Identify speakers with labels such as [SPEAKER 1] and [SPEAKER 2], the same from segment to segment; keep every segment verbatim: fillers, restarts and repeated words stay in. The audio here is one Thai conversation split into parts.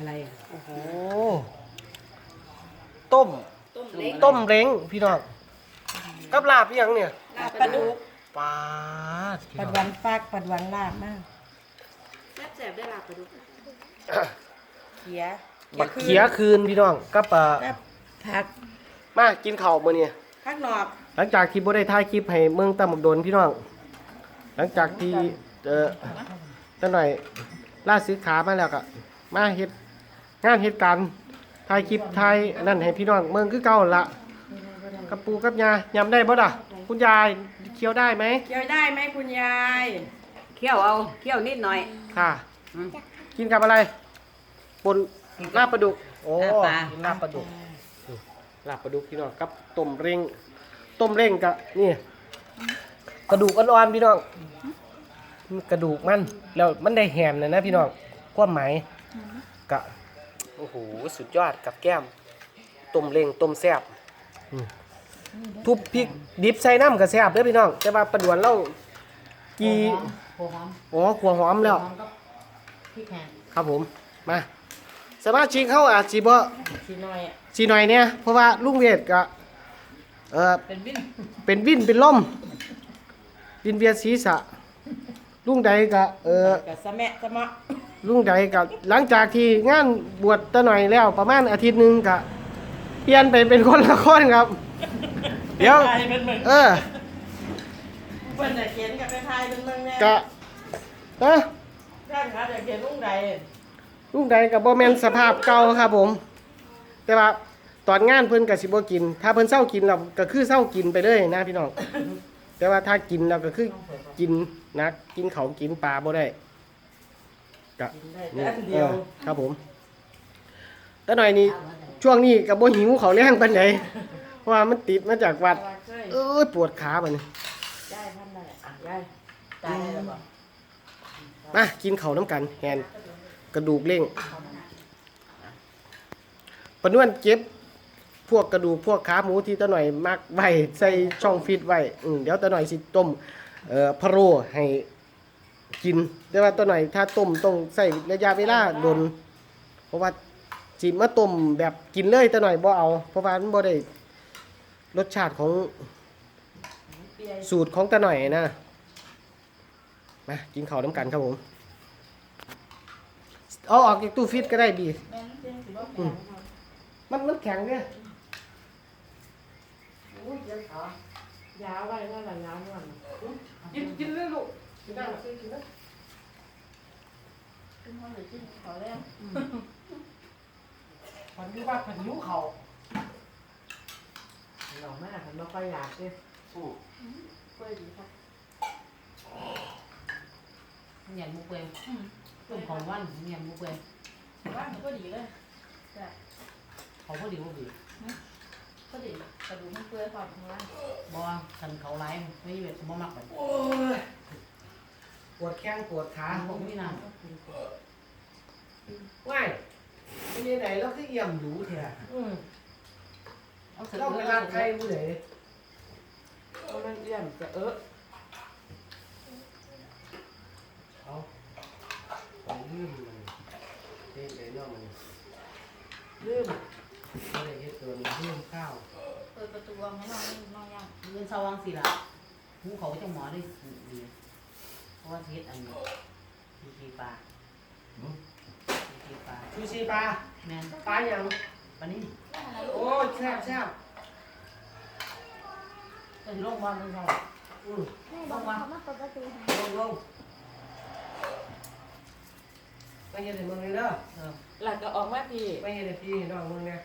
[SPEAKER 1] อะไรอ่ะ
[SPEAKER 2] โอ้โหต้มต้มเล้งพี่น้องกับลาบอีหยังเนี่ย
[SPEAKER 1] ลาบปลาดุก
[SPEAKER 2] ปลาดพี่
[SPEAKER 1] ปัด
[SPEAKER 2] น้อง
[SPEAKER 1] วันฟากปัดวันลาบมาก
[SPEAKER 3] แซ่บๆได้ลาบปลาดุก
[SPEAKER 1] เขีย
[SPEAKER 2] บักเขียคืนพี่น้องกับปลา
[SPEAKER 1] แบบผัก
[SPEAKER 2] มากินข้าวมื้อนี้
[SPEAKER 1] ผักหนอก
[SPEAKER 2] หลังจากที่บ่ได้ถ่ายคลิปให้เมืองตำบักโดนพี่น้องหลังจากที่เอ่อตั้งหน่อยล่าซื้อขามาแล้วก็มาเฮ็ดงานเฮ็ดการถ่ายคลิปถ่ายนั่นให้พี่น้องเมืองคือเก่าละกับปูกับยายำได้บ่ล่ะคุณยายเคี้ยวได้ไหม
[SPEAKER 1] เคี่ยวได้ไหมคุณยาย
[SPEAKER 3] เคี่ยวเอาเคี่ยวนิดหน่อย
[SPEAKER 2] ค่ะกินกับอะไรปนลาบปลาดุกโอ้
[SPEAKER 3] ลาบปลา
[SPEAKER 2] กินลาบปลาดุกลาบปลาดุกพี่น้องกับต้มเร่งต้มเร่งกับนี่กระดูกอ่อนๆพี่น้องกระดูกมันแล้วมันได้แหมนะนะพี่น้องความหมายกะโอ้โหสุดยอดกับแก้มต้มเร่งต้มแซ่บอืมทุบพริกดิบใส่น้ำกับแซ่บเด้อพี่น้องแต่ว่าปลาดวนเรากี
[SPEAKER 3] หัวหอม
[SPEAKER 2] อ๋อขัวหอมแล้ว
[SPEAKER 3] หอมกับพริกแห้ง
[SPEAKER 2] ครับผมมาสมาชิกเขาอาจสิบ่
[SPEAKER 1] สีน้อยอ่ะ
[SPEAKER 2] สิหน่อยเนี่ยเพราะว่าลุงเวทก็เออ
[SPEAKER 3] เป็นวิน
[SPEAKER 2] เป็นวินเป็นลมวินเวียนศีรษะลุงใดก็เออ
[SPEAKER 1] กับสะแมะสะเมาะ
[SPEAKER 2] ลุงใดก็หลังจากที่งานบวชตะหน่อยแล้วประมาณอาทิตย์หนึงก็เปลี่ยนไปเป็นคนละคนครับ เดี๋ยว
[SPEAKER 1] ไทยเป็นเมือง
[SPEAKER 2] เออ
[SPEAKER 1] เพิ่นจะเขียนกับไปไทยเป็นเมืองแน่
[SPEAKER 2] กะนะ
[SPEAKER 1] ท่านครับจะเขียนลุงใด
[SPEAKER 2] ลุงใดก็บ่แม่นสภาพเก่าครับผม แต่ว่าตอนงานเพิ่นก็สิบ่กิน ถ้าเพิ่นเศร้ากินแล้วก็คือเศร้ากินไปเลยนะพี่น้อง แต่ว่าถ้ากินแล้วก็คือกินนักกินเขาวกินปลาบ่ได้ก็
[SPEAKER 1] กินได้แต่อันเดียว
[SPEAKER 2] ออครับผมแต่หน่อยนี้ช่วงนี้ก็บ่หิวเขาวแรงปานใดเพราะว่ามันติดมาจากวัด เอ้ยปวดขาบัดนี้
[SPEAKER 1] ยายท่านนั่นแหละอ่ะยายตายแล้วบ่
[SPEAKER 2] มากินข้าวน้ำกันแฮนกระดูกเล่งปนวนเก็บพวกกระดูกพวกขาหมูที่ตะหน่อยมักไว้ใส่ช่องฟิตไว้อืมเดี๋ยวตะหน่อยสิต้มเอ่อพะโล้ให้กินแต่ว่าตะหน่อยถ้าต้มต้องใส่ระยะเวลาโดนเพราะว่าสิมาต้มแบบกินเลยตะหน่อยบ่เอาเพราะว่ามันบ่ได้รสชาติของสูตรของตะหน่อยนะมากินข้าวน้ำกันครับผมเอาออกจากตู้ฟิตก็ได้บีอืมมันมันแข็งเนี่ยโอ้ยเจ็บขาย
[SPEAKER 1] าวไว้ว่าละยาวนั่น
[SPEAKER 2] กินกินเลยลูกกินได้หรอกินได้
[SPEAKER 1] เป็นคนหรือกินขอแล้ว
[SPEAKER 2] ผันยูว่าผันยูเขา
[SPEAKER 1] หน่อแม่ผมไม่ค่อยอยากเลย
[SPEAKER 2] อืม
[SPEAKER 1] กล้วยดีค่ะ
[SPEAKER 3] เนียนมุกเวงต้มของวันเนียนมุกเวง
[SPEAKER 1] ว่ามันก็ดีเลยแต่
[SPEAKER 3] เขาพอดีพอดี
[SPEAKER 1] ก็ดีกระดูกมันเปื่อยความข้างล่าง
[SPEAKER 3] บ่คันเขาไล่ไม่เวทสมมักแบบ
[SPEAKER 2] โอ้ยปวดแข้งปวดขา
[SPEAKER 3] พวกนี้นะ
[SPEAKER 2] ว่ายไปยังไหนแล้วคือเอี่ยมหรูเถอะ
[SPEAKER 1] อืม
[SPEAKER 3] เอาเสร็จ
[SPEAKER 2] เราไป
[SPEAKER 3] แล้
[SPEAKER 2] ร้านใครผู้ใด
[SPEAKER 1] เอามันเอี่ยมจะเออ
[SPEAKER 2] เอาไปลืมมันเฮ็ดได้เนาะมันลืมบ่ได้เฮ็ดตัวมันลืมข้าว
[SPEAKER 3] เปิดประตูวางให้น้องน้องย่างเงินเศร้าวังสิล่ะหูเขาจะหมอได้ดีเพราะว่าเฮ็ดอันนี้มีกีปลามีกีปลา
[SPEAKER 2] ซูชิปลา
[SPEAKER 3] แม่น
[SPEAKER 2] ปลาหยัง
[SPEAKER 3] ปลานิ่ม
[SPEAKER 2] โอ้ยแซ่บแซ่บ
[SPEAKER 3] ก็สิลงมาเงินเศร้า
[SPEAKER 2] อืม
[SPEAKER 4] แม่บอกเขามาเปิดประตูให้
[SPEAKER 2] ลงลงไปเฮ็ดให้มึงเลยเด้อ
[SPEAKER 3] เออ
[SPEAKER 1] หลักก็ออกมาพี่
[SPEAKER 2] ไปเฮ็ดให้พี่น้องมึงเนี่ย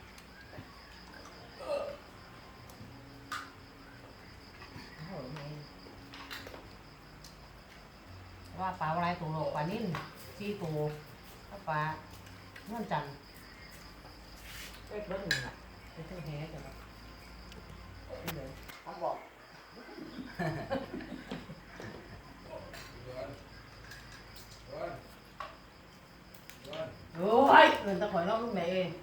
[SPEAKER 3] ว่าปลาอะไรตัวโลกปลานิ่มสี่ตัวถ้าปลาเงื่อนจันทร์
[SPEAKER 1] เอ็กเบิ้ลหนึ่งอ่ะ
[SPEAKER 3] เป็นเท่าแห่จ้ะครับ
[SPEAKER 2] เขาบอก
[SPEAKER 3] โอ้ยเงินตะข่อยน้องลูกไหนเอง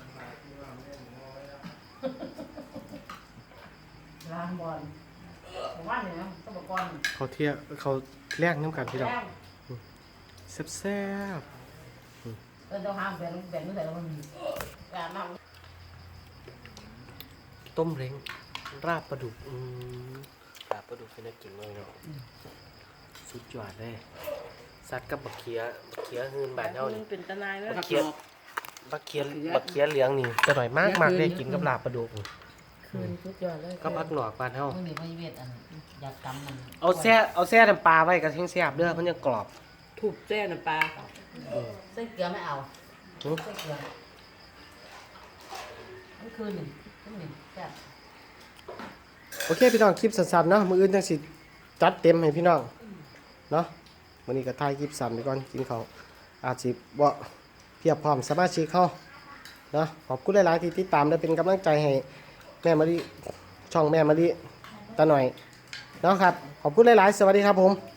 [SPEAKER 3] ลานบอลผมว่าเนี่ยนะต้องบอกก่อน
[SPEAKER 2] เขาเที่ยวเขาแลกน้ำกันพี่น้อง
[SPEAKER 3] แล้
[SPEAKER 2] แซ่บแซ่บ
[SPEAKER 3] เออเจ้าห้ามแบนแบนไม่ใส่แล้วมันการมา
[SPEAKER 2] ต้มเล้งราบปลาดุกอืมราบปลาดุกเป็นน่ากินมากเนาะสุดยอดเลยซัดกับบักเขียบักเขียหืนบานเฮา
[SPEAKER 1] มั
[SPEAKER 2] นี่
[SPEAKER 1] นเป็นตะนายเลย
[SPEAKER 2] บักเขียบักเขียบักเขียเหลืองนี่จะหน่อยมากมากได้กินกับลาบปลาดุก
[SPEAKER 1] คืนสุดยอดเลย
[SPEAKER 2] ก็พักหนอกบานเฮา
[SPEAKER 3] ไม่มีไม่เวทอันอยากกำมัน
[SPEAKER 2] เอาแซ่เอาแซ่น้ำปลาไว้กับแห้งแซ่บเด้อมันยังกรอบ
[SPEAKER 1] ถูกแจ้น้ำปลา
[SPEAKER 2] อืม
[SPEAKER 3] เส้นเกลือไม่เอา
[SPEAKER 2] หือ
[SPEAKER 3] เส้นเกลือนี่คือหนึ่งคือหนึ่งแซ่บ
[SPEAKER 2] โอเคพี่น้องคลิปสั้นๆเนาะมื้ออื่นจังสิจัดเต็มให้พี่น้องเนาะวันนี้ก็ถ่ายคลิปสั้นไปก่อนกินข้าวอาจสิบ่เพียบพร้อมสมาชิกเขาเนาะขอบคุณหลายๆที่ติดตามและเป็นกำลังใจให้แม่มะลิช่องแม่มะลิตาหน่อยเนาะครับขอบคุณหลายๆสวัสดีครับผม